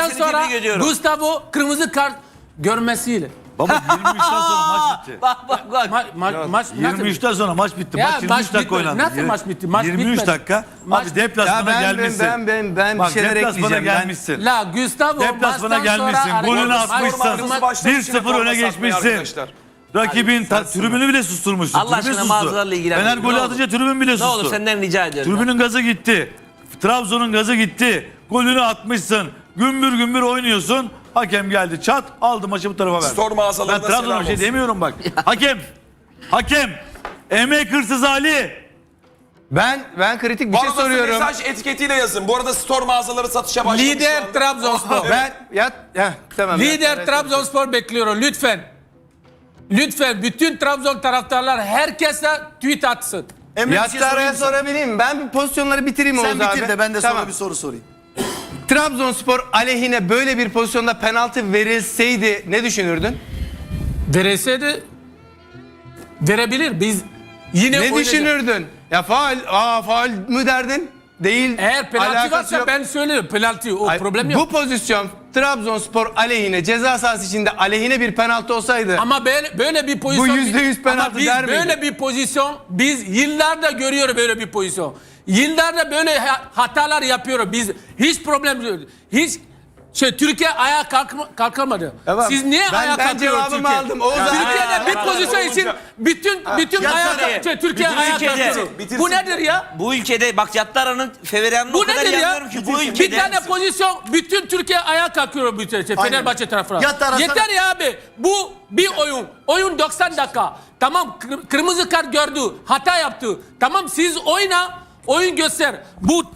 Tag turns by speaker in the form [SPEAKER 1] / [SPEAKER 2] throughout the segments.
[SPEAKER 1] maçtan
[SPEAKER 2] seni
[SPEAKER 1] sonra
[SPEAKER 2] tebrik ediyorum.
[SPEAKER 1] Gustavo kırmızı kart görmesiyle.
[SPEAKER 3] Baba 23'ten sonra maç bitti.
[SPEAKER 1] Maç
[SPEAKER 3] 23'ten sonra maç bitti.
[SPEAKER 1] Ya,
[SPEAKER 3] Maç 23
[SPEAKER 1] maç
[SPEAKER 3] dakika
[SPEAKER 1] bitmedi.
[SPEAKER 3] oynandı.
[SPEAKER 1] Nasıl maç bitti? Maç
[SPEAKER 3] 23
[SPEAKER 1] bitmedi.
[SPEAKER 3] dakika.
[SPEAKER 1] Maç-
[SPEAKER 3] Abi deplasmana
[SPEAKER 4] Ya
[SPEAKER 3] gelmişsin.
[SPEAKER 4] ben bir
[SPEAKER 3] Bak
[SPEAKER 4] şeyler
[SPEAKER 3] deplasmana
[SPEAKER 4] ekleyeceğim.
[SPEAKER 3] gelmişsin.
[SPEAKER 1] La Gustavo
[SPEAKER 3] Deplasmana
[SPEAKER 1] maçtan sonra
[SPEAKER 3] gelmişsin. Golünü
[SPEAKER 1] hareket-
[SPEAKER 3] atmışsın.
[SPEAKER 1] Maç-
[SPEAKER 3] 1-0 öne geçmişsin. Rakibin tribünü bile susturmuşsun.
[SPEAKER 2] Allah
[SPEAKER 3] Tribün
[SPEAKER 2] aşkına
[SPEAKER 3] sustu.
[SPEAKER 2] mağazalarla ilgilen.
[SPEAKER 3] Fener
[SPEAKER 2] Ne
[SPEAKER 3] golü
[SPEAKER 2] olur.
[SPEAKER 3] atınca tribün bile
[SPEAKER 2] Ne
[SPEAKER 3] sustu.
[SPEAKER 2] olur senden rica ediyorum.
[SPEAKER 3] Tribünün gazı gitti. Trabzon'un gazı gitti. Golünü atmışsın. Gümbür gümbür oynuyorsun. Hakem geldi çat aldı maçı bu tarafa verdi.
[SPEAKER 5] Store mağazalarına
[SPEAKER 3] Ben Trabzon'a
[SPEAKER 5] selam
[SPEAKER 3] bir şey
[SPEAKER 5] olsun.
[SPEAKER 3] demiyorum bak. Hakem. Emek hırsız Ali.
[SPEAKER 4] Ben kritik bir
[SPEAKER 5] Bu
[SPEAKER 4] şey
[SPEAKER 5] arada
[SPEAKER 4] soruyorum.
[SPEAKER 5] mesaj etiketiyle yazın. Bu arada store mağazaları satışa başlamış. şu
[SPEAKER 1] Lider
[SPEAKER 5] anda.
[SPEAKER 1] Trabzonspor.
[SPEAKER 4] Tamam.
[SPEAKER 1] Lider Trabzonspor bekliyorum lütfen. Lütfen bütün Trabzon taraftarlar herkese tweet atsın.
[SPEAKER 6] Emre bir şey sorayım
[SPEAKER 4] Yattara'ya
[SPEAKER 6] mı sana?
[SPEAKER 4] sorabilir miyim? Ben bir pozisyonları bitireyim
[SPEAKER 6] Sen
[SPEAKER 4] Oğuz abi.
[SPEAKER 6] bitir de ben de sonra
[SPEAKER 4] Tamam.
[SPEAKER 6] bir soru sorayım.
[SPEAKER 4] Trabzonspor aleyhine böyle bir pozisyonda penaltı verilseydi ne düşünürdün?
[SPEAKER 1] Verilseydi verebilir. Biz yine
[SPEAKER 4] Ne
[SPEAKER 1] oynayacağız.
[SPEAKER 4] düşünürdün? Ya faal mü derdin? Değil.
[SPEAKER 1] Eğer penaltı
[SPEAKER 4] alakası
[SPEAKER 1] varsa
[SPEAKER 4] yok.
[SPEAKER 1] ben söylerim. Penaltı o
[SPEAKER 4] Ay,
[SPEAKER 1] problem yok.
[SPEAKER 4] Bu pozisyon Trabzonspor aleyhine ceza sahası içinde aleyhine bir penaltı olsaydı
[SPEAKER 1] Ama böyle bir pozisyon...
[SPEAKER 4] Bu %100 penaltı
[SPEAKER 1] Ama biz
[SPEAKER 4] der miydin?
[SPEAKER 1] böyle bir pozisyon, biz yıllarda görüyoruz böyle bir pozisyon. Yıllarda böyle hatalar yapıyoruz. Biz hiç problem yok. Hiç Türkiye ayağa kalkamadı.
[SPEAKER 4] Tamam.
[SPEAKER 1] Siz niye
[SPEAKER 4] Ben
[SPEAKER 1] ayağa kalkıyorsunuz
[SPEAKER 4] cevabımı
[SPEAKER 1] Türkiye?
[SPEAKER 4] aldım. Oğuz abi.
[SPEAKER 1] Türkiye'de bir pozisyon için bütün
[SPEAKER 6] Ya
[SPEAKER 1] ayağa
[SPEAKER 6] Türkiye-
[SPEAKER 1] Türkiye
[SPEAKER 2] bütün
[SPEAKER 1] ayağa
[SPEAKER 2] ülkede-
[SPEAKER 1] kalkıyor. Bu nedir ya?
[SPEAKER 2] Bu ülkede bak Yattara'nın Feveren'ini o
[SPEAKER 1] Bu
[SPEAKER 2] kadar
[SPEAKER 1] nedir
[SPEAKER 2] iyi
[SPEAKER 1] ya?
[SPEAKER 2] anlıyorum ki bu
[SPEAKER 1] Bir
[SPEAKER 2] ülkede.
[SPEAKER 1] tane pozisyon bütün Türkiye ayağa kalkıyor Fenerbahçe tarafına.
[SPEAKER 6] Yattara
[SPEAKER 1] Yeter ya abi. Bu bir oyun. Oyun 90 dakika. Tamam kırmızı kart gördü. Hata yaptı. Tamam siz oyun göster. Bu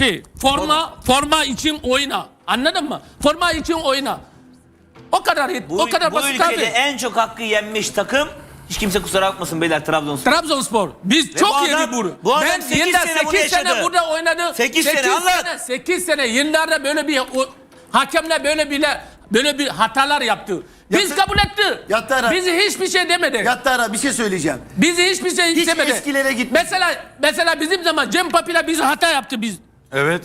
[SPEAKER 1] forma için oyna. Anladın mı? Forma için oyna. O kadar
[SPEAKER 2] Bu,
[SPEAKER 1] o kadar
[SPEAKER 2] bu
[SPEAKER 1] basit
[SPEAKER 2] ülkede
[SPEAKER 1] abi.
[SPEAKER 2] en çok hakkı yenmiş takım hiç kimse kusura bakmasın beyler Trabzonspor.
[SPEAKER 1] Trabzonspor. Biz çok
[SPEAKER 2] bu
[SPEAKER 1] yedik
[SPEAKER 2] adam-
[SPEAKER 1] bunu.
[SPEAKER 2] bu adam
[SPEAKER 1] Ben
[SPEAKER 2] 8
[SPEAKER 1] yılda
[SPEAKER 2] sene bunu
[SPEAKER 1] 8 sene
[SPEAKER 2] yaşadı.
[SPEAKER 1] burada oynadı.
[SPEAKER 2] 8 sene, anlat.
[SPEAKER 1] 8 sene yıllarda hakemler böyle bir hatalar yaptı. Biz
[SPEAKER 6] Yattı-
[SPEAKER 1] kabul etti.
[SPEAKER 6] Yattara-
[SPEAKER 1] Bizi hiçbir şey demedi.
[SPEAKER 6] Yattara bir şey söyleyeceğim.
[SPEAKER 1] Bizi hiçbir şey
[SPEAKER 6] Hiç
[SPEAKER 1] demedi.
[SPEAKER 6] eskilere gitme.
[SPEAKER 1] Mesela bizim zaman Cem Papila bizi hata yaptı biz.
[SPEAKER 3] Evet.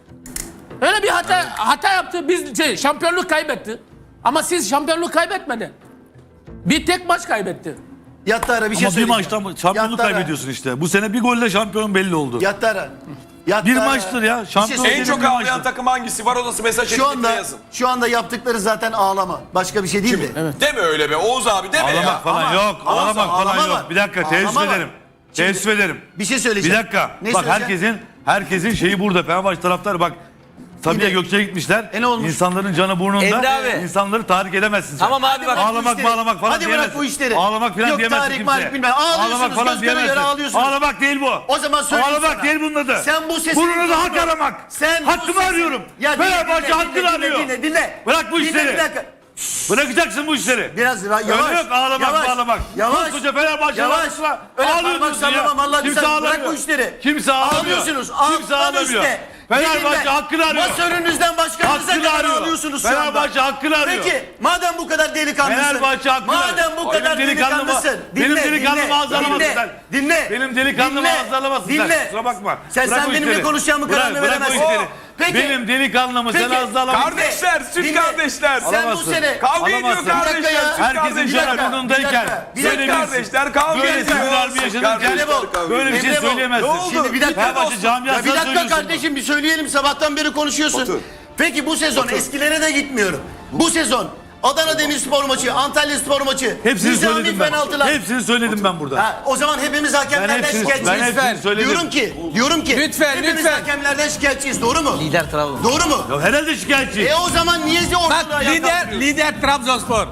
[SPEAKER 1] Öyle bir hata yaptı. Biz şampiyonluk kaybetti. Ama siz şampiyonluk kaybetmedin. Bir tek maç kaybetti.
[SPEAKER 6] Yattara bir şey
[SPEAKER 3] Ama bir
[SPEAKER 6] söyleyeceğim.
[SPEAKER 3] maçtan şampiyonluk
[SPEAKER 6] Yattara-
[SPEAKER 3] kaybediyorsun işte. Bu sene bir golle şampiyon belli oldu.
[SPEAKER 6] Yattara.
[SPEAKER 3] Bir maçtır ya.
[SPEAKER 6] Bir şey
[SPEAKER 3] Şampiyon
[SPEAKER 6] söyleyeceğim.
[SPEAKER 5] En çok
[SPEAKER 3] bir
[SPEAKER 5] ağlayan
[SPEAKER 3] maçtır.
[SPEAKER 5] takım hangisi var odası mesaj etiketiyle yazın.
[SPEAKER 6] Şu anda yaptıkları zaten ağlama. Başka bir şey değil mi? Evet.
[SPEAKER 5] Deme öyle be Oğuz abi deme ya.
[SPEAKER 3] Ağlamak falan
[SPEAKER 6] Ama-
[SPEAKER 3] yok.
[SPEAKER 6] ama-
[SPEAKER 3] Ağlamak falan
[SPEAKER 6] ağlama
[SPEAKER 3] yok.
[SPEAKER 6] var.
[SPEAKER 3] Bir dakika teessüf
[SPEAKER 6] Ağlama var.
[SPEAKER 3] ederim.
[SPEAKER 6] Şimdi-
[SPEAKER 3] Teessüf ederim.
[SPEAKER 6] Bir şey
[SPEAKER 3] Bir
[SPEAKER 6] söyleyeceğim.
[SPEAKER 3] dakika.
[SPEAKER 6] Ne
[SPEAKER 3] Bak
[SPEAKER 6] söyleyeceğim?
[SPEAKER 3] herkesin şeyi burada. Fenerbahçe taraftarı bak. Sabiha
[SPEAKER 6] Yine-
[SPEAKER 3] Gökçe'ye gitmişler.
[SPEAKER 6] Ne olmuş?
[SPEAKER 3] İnsanların canı burnunda.
[SPEAKER 2] Emre abi.
[SPEAKER 3] İnsanları tahrik edemezsin sen.
[SPEAKER 2] Tamam abi bak.
[SPEAKER 6] bırak bu
[SPEAKER 3] Ağlamak
[SPEAKER 6] işleri.
[SPEAKER 3] bağlamak falan
[SPEAKER 6] Hadi bırak
[SPEAKER 3] diyemezsin.
[SPEAKER 6] bu işleri.
[SPEAKER 3] Ağlamak falan
[SPEAKER 6] Yok,
[SPEAKER 3] diyemezsin
[SPEAKER 6] tarih,
[SPEAKER 3] kimseye.
[SPEAKER 6] marih bilmem. Ağlıyorsunuz,
[SPEAKER 3] Ağlamak falan
[SPEAKER 6] göz göre göre
[SPEAKER 3] diyemezsin.
[SPEAKER 6] ağlıyorsunuz.
[SPEAKER 3] Ağlamak değil bu.
[SPEAKER 6] O zaman söyleyeyim
[SPEAKER 3] Ağlamak
[SPEAKER 6] sana.
[SPEAKER 3] değil bunun adı.
[SPEAKER 6] Sen bu sesi...
[SPEAKER 3] Bunun adı hak aramak.
[SPEAKER 6] Sen bu
[SPEAKER 3] Hakkımı
[SPEAKER 6] sesi-
[SPEAKER 3] arıyorum.
[SPEAKER 6] Ya dinle,
[SPEAKER 3] Fenerbahçe
[SPEAKER 6] dinle,
[SPEAKER 3] hakkını
[SPEAKER 6] dinle,
[SPEAKER 3] arıyor.
[SPEAKER 6] Dinle.
[SPEAKER 3] Bırak bu
[SPEAKER 6] Dinle,
[SPEAKER 3] işleri.
[SPEAKER 6] bir dakika.
[SPEAKER 3] Bırakacaksın bu işleri.
[SPEAKER 6] Biraz yavaş.
[SPEAKER 3] Öyle yok ağlamak
[SPEAKER 6] yavaş,
[SPEAKER 3] bağlamak.
[SPEAKER 6] Yavaş.
[SPEAKER 3] Koskoca Fenerbahçe
[SPEAKER 6] Yavaş.
[SPEAKER 3] ağlamasına
[SPEAKER 6] Öyle
[SPEAKER 3] ağlıyorsunuz
[SPEAKER 6] parmak sallamam
[SPEAKER 3] ya.
[SPEAKER 6] Allah
[SPEAKER 3] Kimse
[SPEAKER 6] güzel.
[SPEAKER 3] ağlamıyor.
[SPEAKER 6] Bırak bu işleri.
[SPEAKER 3] Kimse ağlamıyor.
[SPEAKER 6] Ağlıyorsunuz.
[SPEAKER 3] Kimse
[SPEAKER 6] Alttan
[SPEAKER 3] ağlamıyor.
[SPEAKER 6] üste.
[SPEAKER 3] Fenerbahçe
[SPEAKER 6] Dinle.
[SPEAKER 3] hakkını arıyor.
[SPEAKER 6] Masörünüzden başkanınıza
[SPEAKER 3] Hakkını
[SPEAKER 6] kadar
[SPEAKER 3] arıyor.
[SPEAKER 6] ağlıyorsunuz şu anda.
[SPEAKER 3] Fenerbahçe hakkını arıyor.
[SPEAKER 6] Peki madem bu kadar delikanlısın.
[SPEAKER 3] Fenerbahçe hakkını arıyor.
[SPEAKER 6] Madem bu kadar
[SPEAKER 3] Benim delikanlımı-
[SPEAKER 6] delikanlısın.
[SPEAKER 3] benim delikanlımı ağzalamasın sen.
[SPEAKER 6] Dinle.
[SPEAKER 3] Benim delikanlımı
[SPEAKER 6] Dinle.
[SPEAKER 3] ağzalamasın sen.
[SPEAKER 6] Dinle.
[SPEAKER 3] Kusura bakma.
[SPEAKER 6] Sen
[SPEAKER 3] Bırak o
[SPEAKER 6] benimle
[SPEAKER 3] işleri.
[SPEAKER 6] konuşacağımı kararını
[SPEAKER 3] Bırak o
[SPEAKER 6] veremezsin.
[SPEAKER 3] işleri.
[SPEAKER 6] Peki.
[SPEAKER 3] Benim delikanlımı sen
[SPEAKER 6] Peki.
[SPEAKER 3] ağzalamasın.
[SPEAKER 5] Kardeşler, süt
[SPEAKER 6] Dinle.
[SPEAKER 5] kardeşler.
[SPEAKER 6] Sen bu
[SPEAKER 3] Alamazsın.
[SPEAKER 6] sene...
[SPEAKER 5] Kavga ediyor
[SPEAKER 3] Alamazsın.
[SPEAKER 5] kardeşler.
[SPEAKER 6] Bir dakika ya.
[SPEAKER 5] süt
[SPEAKER 3] Herkesin
[SPEAKER 5] kardeşler.
[SPEAKER 3] canı burnundayken
[SPEAKER 6] Bir
[SPEAKER 5] Süt
[SPEAKER 6] dakika.
[SPEAKER 5] kardeşler kavga
[SPEAKER 3] böyle
[SPEAKER 5] ediyor.
[SPEAKER 3] sinirler bir yaşanırken
[SPEAKER 5] Kardeşler kavga
[SPEAKER 3] böyle bir şey
[SPEAKER 6] Emre Bol,
[SPEAKER 3] söyleyemezsin.
[SPEAKER 5] ne oldu?
[SPEAKER 6] Şimdi bir dakika.
[SPEAKER 3] Fenerbahçe camiasına
[SPEAKER 6] Ya bir dakika
[SPEAKER 3] söylüyorsun
[SPEAKER 6] kardeşim bir söyleyelim sabahtan beri konuşuyorsun.
[SPEAKER 5] Otur.
[SPEAKER 6] Peki bu sezon eskilere de gitmiyorum. Bu sezon Adana Demirspor maçı, Antalya Spor maçı,
[SPEAKER 3] Hepsini
[SPEAKER 6] nizami
[SPEAKER 3] söyledim ben.
[SPEAKER 6] penaltılar.
[SPEAKER 3] Hepsini söyledim ben burada.
[SPEAKER 6] Ha, o zaman hepimiz hakemlerden
[SPEAKER 3] Ben
[SPEAKER 6] şikayetçiyiz.
[SPEAKER 3] hepsini söyledim.
[SPEAKER 6] Diyorum ki
[SPEAKER 1] Lütfen,
[SPEAKER 6] hepimiz
[SPEAKER 1] lütfen.
[SPEAKER 6] hakemlerden şikayetçiyiz. Doğru mu?
[SPEAKER 2] Lider Trabzon.
[SPEAKER 6] Doğru mu?
[SPEAKER 3] Ya herhalde şikayetçi.
[SPEAKER 6] O zaman niye ortada
[SPEAKER 1] Bak
[SPEAKER 6] ayağa kalkmıyor?
[SPEAKER 1] lider Trabzonspor.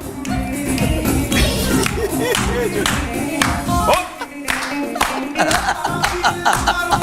[SPEAKER 5] Hop.